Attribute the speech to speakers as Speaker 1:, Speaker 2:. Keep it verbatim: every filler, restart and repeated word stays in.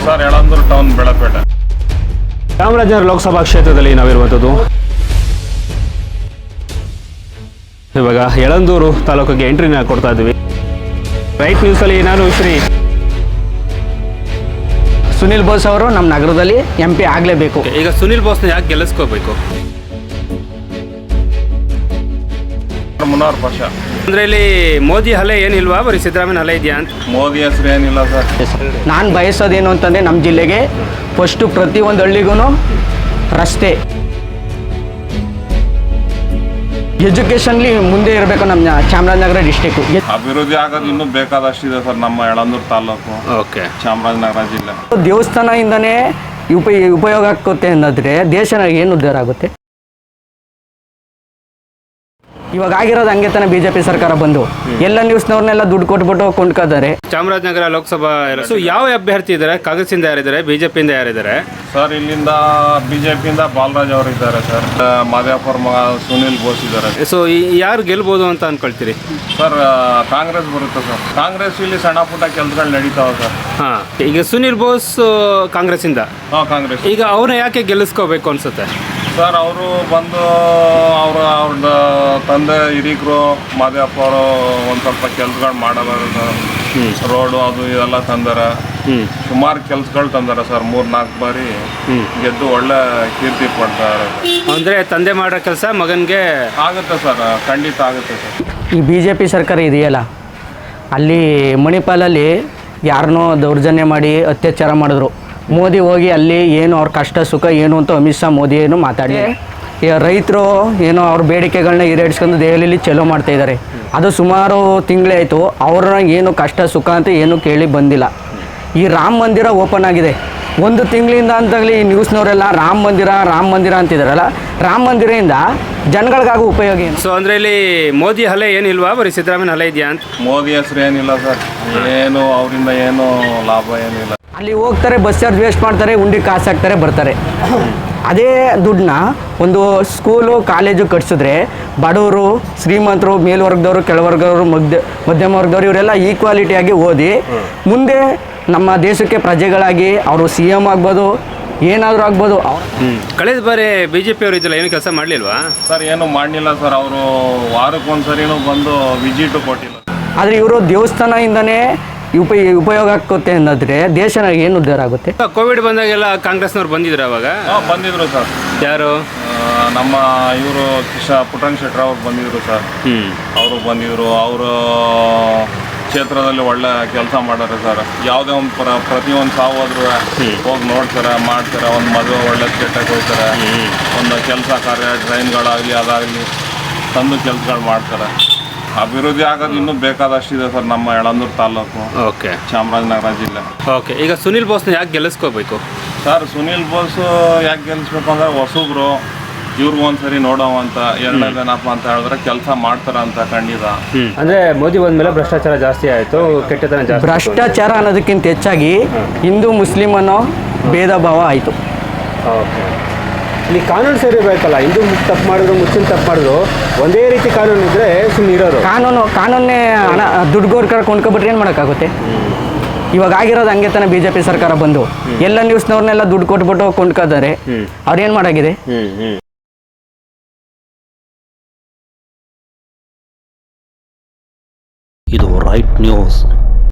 Speaker 1: Sir Yelandur town Belapete.
Speaker 2: Chamarajanagar Lok Sabha ಕ್ಷೇತ್ರದಲ್ಲಿ ನಾವಿರುವಂಥದ್ದು. ಇವಾಗ ಯಳಂದೂರು ತಾಲೂಕಿಗೆ ಎಂಟ್ರಿನ ಕೊಡ್ತಾ ಇದ್ದೀವಿ. ರೈಟ್ ನ್ಯೂಸಲ್ಲಿ ನಾನು ಶ್ರೀ
Speaker 3: ಸುನಿಲ್ ಬೋಸ್ ಅವರು ನಮ್ಮ ನಗರದಲ್ಲಿ ಎಂ ಪಿ ಆಗಲೇಬೇಕು.
Speaker 2: ಈಗ ಸುನಿಲ್ ಬೋಸ್ನ ಯಾಕೆ ಗೆಲ್ಲಿಸ್ಕೋಬೇಕು?
Speaker 1: ಮುನ್ನೂರು ವರ್ಷ
Speaker 2: ಅಂದ್ರೆ ಇಲ್ಲಿ ಮೋದಿ ಹಲೆ ಏನಿಲ್ವಾ, ಬರೀ ಸಿದ್ದರಾಮಯ್ಯ ಹಲೆ ಇದೆಯಾ ಅಂತ?
Speaker 1: ಮೋದಿ ಹೆಸರು ಏನಿಲ್ಲ ಸರ್.
Speaker 3: ನಾನು ಬಯಸೋದೇನು ಅಂತಂದರೆ ನಮ್ಮ ಜಿಲ್ಲೆಗೆ ಫಸ್ಟು ಪ್ರತಿಯೊಂದು ಹಳ್ಳಿಗೂ ರಸ್ತೆ, ಎಜುಕೇಷನ್ಲಿ ಮುಂದೆ ಇರಬೇಕು ನಮ್ಮ ಚಾಮರಾಜನಗರ ಡಿಸ್ಟಿಕ್ಕು.
Speaker 1: ಅಭಿವೃದ್ಧಿ ಆಗೋದು ಇನ್ನೂ ಬೇಕಾದಷ್ಟಿದೆ ಸರ್ ನಮ್ಮ ಯಳಂದೂರು ತಾಲೂಕು,
Speaker 2: ಓಕೆ,
Speaker 1: ಚಾಮರಾಜನಗರ ಜಿಲ್ಲೆ.
Speaker 3: ದೇವಸ್ಥಾನದಿಂದನೇ ಉಪ ಉಪಯೋಗ ಆಗುತ್ತೆ ಅನ್ನೋದ್ರೆ ದೇಶನ ಏನು ಉದ್ಧಾರ ಆಗುತ್ತೆ? ಇವಾಗ ಆಗಿರೋದು ಹಂಗೆ ತಾನೆ ಬಿ ಜೆ ಪಿ ಸರ್ಕಾರ ಬಂದು ಎಲ್ಲ ನ್ಯೂಸ್ನವ್ರನ್ನೆಲ್ಲ ದುಡ್ಡು ಕೊಟ್ಬಿಟ್ಟು ಕೊಂಡ್ಕೋತಾರೆ.
Speaker 2: ಚಾಮರಾಜನಗರ ಲೋಕಸಭಾ ಸೊ ಯಾವ ಅಭ್ಯರ್ಥಿ ಇದ್ದಾರೆ? ಕಾಂಗ್ರೆಸ್ಸಿಂದ ಯಾರಿದ್ದಾರೆ, ಬಿಜೆಪಿಯಿಂದ ಯಾರಿದ್ದಾರೆ
Speaker 1: ಸರ್? ಇಲ್ಲಿಂದ ಬಿಜೆಪಿಯಿಂದ ಬಾಲರಾಜ್ ಅವರು ಇದ್ದಾರೆ ಸರ್. ಮಾದೇವಪುರ ಮಗ ಸುನಿಲ್ ಬೋಸ್ ಇದ್ದಾರೆ.
Speaker 2: ಸೊ ಯಾರು ಗೆಲ್ಬೋದು ಅಂತ ಅನ್ಕೊಳ್ತೀರಿ
Speaker 1: ಸರ್? ಕಾಂಗ್ರೆಸ್ ಬರುತ್ತೆ ಸರ್. ಕಾಂಗ್ರೆಸ್ ಇಲ್ಲಿ ಸಣ್ಣ ಪುಟ್ಟ ಕೆಲಸಗಳು ನಡೀತಾವೆ ಸರ್.
Speaker 2: ಹಾಂ, ಈಗ ಸುನಿಲ್ ಬೋಸ್ ಕಾಂಗ್ರೆಸ್ಸಿಂದ.
Speaker 1: ಹಾಂ, ಕಾಂಗ್ರೆಸ್.
Speaker 2: ಈಗ ಅವ್ರನ್ನ ಯಾಕೆ ಗೆಲ್ಲಿಸ್ಕೋಬೇಕು ಅನ್ಸುತ್ತೆ
Speaker 1: ಸರ್? ಅವರು ಬಂದು ಅವ್ರ ಅವ್ರ ತಂದೆ ಹಿರೀಕರು ಮಾದೇವಪ್ಪ ಅವರು ಒಂದು ಸ್ವಲ್ಪ ಕೆಲಸಗಳು ಮಾಡಲ್ಲ ಸರ್. ರೋಡು ಅದು ಇದೆಲ್ಲ ತಂದಾರ, ಸುಮಾರು ಕೆಲಸಗಳು ತಂದಾರ ಸರ್. ಮೂರು ನಾಲ್ಕು ಬಾರಿ ಗೆದ್ದು ಒಳ್ಳೆ ಕೀರ್ತಿ ಪಡ್ತಾರೆ.
Speaker 2: ಅಂದರೆ ತಂದೆ ಮಾಡೋ ಕೆಲಸ ಮಗನಿಗೆ
Speaker 1: ಆಗುತ್ತೆ ಸರ್, ಖಂಡಿತ ಆಗುತ್ತೆ ಸರ್.
Speaker 3: ಈ ಬಿ ಜೆ ಪಿ ಸರ್ಕಾರ ಇದೆಯಲ್ಲ, ಅಲ್ಲಿ ಮಣಿಪಾಲಲ್ಲಿ ಯಾರನ್ನೋ ದೌರ್ಜನ್ಯ ಮಾಡಿ ಅತ್ಯಾಚಾರ ಮಾಡಿದ್ರು. ಮೋದಿ ಹೋಗಿ ಅಲ್ಲಿ ಏನು ಅವ್ರ ಕಷ್ಟ ಸುಖ ಏನು ಅಂತ ಅಮಿತ್ ಶಾ ಮೋದಿ ಏನು ಮಾತಾಡಿ ರೈತರು ಏನೋ ಅವ್ರ ಬೇಡಿಕೆಗಳನ್ನ ಈಡೇರಿಸ್ಕೊಂಡು ದೆಹಲಿಯಲ್ಲಿ ಚಲೋ ಮಾಡ್ತಾ ಇದ್ದಾರೆ. ಅದು ಸುಮಾರು ತಿಂಗಳೇ ಆಯಿತು. ಅವ್ರನ್ನ ಏನು ಕಷ್ಟ ಸುಖ ಅಂತ ಏನು ಕೇಳಿ ಬಂದಿಲ್ಲ. ಈ ರಾಮ ಮಂದಿರ ಓಪನ್ ಆಗಿದೆ ಒಂದು ತಿಂಗಳಿಂದ ಅಂತಾಗಲಿ ಈ ನ್ಯೂಸ್ನವರೆಲ್ಲ ರಾಮ ಮಂದಿರ ರಾಮ ಮಂದಿರ ಅಂತಿದ್ದಾರಲ್ಲ, ರಾಮ ಮಂದಿರದಿಂದ ಜನಗಳಿಗಾಗೋ ಉಪಯೋಗ ಏನು?
Speaker 2: ಸೊ ಅಂದರೆ ಇಲ್ಲಿ ಮೋದಿ ಹಲೆ ಏನಿಲ್ವಾ, ಬರೀ ಸಿದ್ದರಾಮಯ್ಯ ಹಲೆ ಇದೆಯಾ ಅಂತ?
Speaker 1: ಮೋದಿ ಹೆಸರು ಏನಿಲ್ಲ ಸರ್. ಏನು ಅವರಿಂದ ಏನು ಲಾಭ ಏನಿಲ್ಲ.
Speaker 3: ಅಲ್ಲಿ ಹೋಗ್ತಾರೆ, ಬಸ್ ಚಾರ್ಜ್ ವೇಸ್ಟ್ ಮಾಡ್ತಾರೆ, ಉಂಡಿ ಕಾಸು ಹಾಕ್ತಾರೆ, ಬರ್ತಾರೆ. ಅದೇ ದುಡ್ಡನ್ನ ಒಂದು ಸ್ಕೂಲು ಕಾಲೇಜು ಕಟ್ಸಿದ್ರೆ ಬಡವರು ಶ್ರೀಮಂತರು ಮೇಲ್ವರ್ಗದವರು ಕೆಳವರ್ಗದವರು ಮಧ್ಯ ಮಧ್ಯಮ ವರ್ಗದವರು ಇವರೆಲ್ಲ ಈಕ್ವಾಲಿಟಿಯಾಗಿ ಓದಿ ಮುಂದೆ ನಮ್ಮ ದೇಶಕ್ಕೆ ಪ್ರಜೆಗಳಾಗಿ ಅವರು ಸಿ ಎಮ್ ಆಗ್ಬೋದು, ಏನಾದರೂ ಆಗ್ಬೋದು.
Speaker 2: ಕಳೆದ ಬಾರಿ ಬಿ ಜೆ ಪಿ ಅವರು ಇದ್ದಿಲ್ಲ, ಏನು ಕೆಲಸ ಮಾಡಲಿಲ್ವಾ
Speaker 1: ಸರ್? ಏನು ಮಾಡಲಿಲ್ಲ ಸರ್. ಅವರು ವಾರಕ್ಕೊಂದ್ಸರಿನೂ ಬಂದು ವಿಸಿಟು ಕೊಟ್ಟಿಲ್ಲ.
Speaker 3: ಆದರೆ ಇವರು ದೇವಸ್ಥಾನದಿಂದನೇ ಉಪ ಉಪಯೋಗ ಆಗುತ್ತೆ ಅನ್ನೋದ್ರೆ ದೇಶನ ಏನು ಉದ್ಧಾರ ಆಗುತ್ತೆ?
Speaker 2: ಕೋವಿಡ್ ಬಂದಾಗೆಲ್ಲ ಕಾಂಗ್ರೆಸ್ನವ್ರು ಬಂದಿದ್ರು ಅವಾಗ?
Speaker 1: ಬಂದಿದ್ರು ಸರ್.
Speaker 2: ಯಾರು?
Speaker 1: ನಮ್ಮ ಇವರು ಕಿಶ ಪುಟ್ಟಣ್ಣ ಶೆಟ್ಟರ್ ಅವ್ರು ಬಂದಿದ್ರು ಸರ್. ಅವರು ಬಂದಿದ್ರು. ಅವರು ಕ್ಷೇತ್ರದಲ್ಲಿ ಒಳ್ಳೆ ಕೆಲಸ ಮಾಡ್ತಾರೆ ಸರ್. ಯಾವುದೇ ಒಂದು ಪ್ರ ಪ್ರತಿಯೊಂದು ಸಾವು ಹೋದ್ರು ಹೋಗಿ ನೋಡ್ತಾರೆ, ಮಾಡ್ತಾರೆ. ಒಂದು ಮದುವೆ ಒಳ್ಳೆ ಕೆಟ್ಟಕ್ಕೆ ಹೋಗ್ತಾರೆ. ಒಂದು ಕೆಲಸ ಕಾರ್ಯ ಟ್ರೈನ್ಗಳಾಗಲಿ ಅದಾಗಲಿ ತಂದು ಕೆಲಸಗಳು ಮಾಡ್ತಾರೆ. ಅಭಿವೃದ್ಧಿ ಆಗೋದು ಇನ್ನೂ ಬೇಕಾದಷ್ಟಿದೆ ಸರ್ ನಮ್ಮ ಯಳಂದೂರು ತಾಲೂಕು,
Speaker 2: ಓಕೆ,
Speaker 1: ಚಾಮರಾಜನಗರ ಜಿಲ್ಲೆ.
Speaker 2: ಓಕೆ, ಈಗ ಸುನಿಲ್ ಬೋಸ್ನ ಯಾಕೆ ಗೆಲ್ಲಿಸ್ಕೋಬೇಕು
Speaker 1: ಸರ್? ಸುನಿಲ್ ಬೋಸ್ ಯಾಕೆ ಗೆಲ್ಲಿಸ್ಬೇಕು ಅಂದರೆ ಹೊಸಬ್ರು, ಇವ್ರಿಗೂ ಒಂದ್ಸರಿ ನೋಡೋವಂತ. ಎರಡನೇದೇನಪ್ಪ ಅಂತ ಹೇಳಿದ್ರೆ ಕೆಲಸ ಮಾಡ್ತಾರ ಅಂತ ಖಂಡಿತ.
Speaker 2: ಅಂದರೆ ಮೋದಿ ಬಂದಮೇಲೆ ಭ್ರಷ್ಟಾಚಾರ ಜಾಸ್ತಿ ಆಯಿತು, ಕೆಟ್ಟತನ ಜಾಸ್ತಿ.
Speaker 3: ಭ್ರಷ್ಟಾಚಾರ ಅನ್ನೋದಕ್ಕಿಂತ ಹೆಚ್ಚಾಗಿ ಹಿಂದೂ ಮುಸ್ಲಿಂ ಅನ್ನೋ ಭೇದ ಭಾವ ಆಯಿತು.
Speaker 2: ಓಕೆ, ಇಲ್ಲಿ ಕಾನೂನು ಸೇರಿಬೇಕಲ್ಲ. ಹಿಂದೂ ತಪ್ಪು ಮಾಡಿದ್ರು ಮುಸ್ಲಿಂ ತಪ್ಪು ಮಾಡಿದ್ರು ಒಂದೇ ರೀತಿ ಕಾನೂನು ಇದ್ದರೆ ಸುಮ್ಮನೆ ಇರೋರು. ಕಾನೂನು
Speaker 3: ಕಾನೂನೇ ಹಣ ದುಡ್ಡುಗೋರ್ಕರ ಕೊಂಡ್ಕೊಬಿಟ್ರೆ ಏನು ಮಾಡೋಕ್ಕಾಗುತ್ತೆ? ಇವಾಗ ಆಗಿರೋದು ಹಂಗೆ ತಾನೆ ಬಿ ಜೆ ಪಿ ಸರ್ಕಾರ ಬಂದು ಎಲ್ಲ ನ್ಯೂಸ್ನವ್ರನ್ನೆಲ್ಲ ದುಡ್ಡು ಕೊಟ್ಬಿಟ್ಟು ಕೊಂಡ್ಕೋತಾರೆ. ಅವ್ರೇನು ಮಾಡಾಗಿದೆ?
Speaker 4: ಇದು ರೈಟ್ ನ್ಯೂಸ್.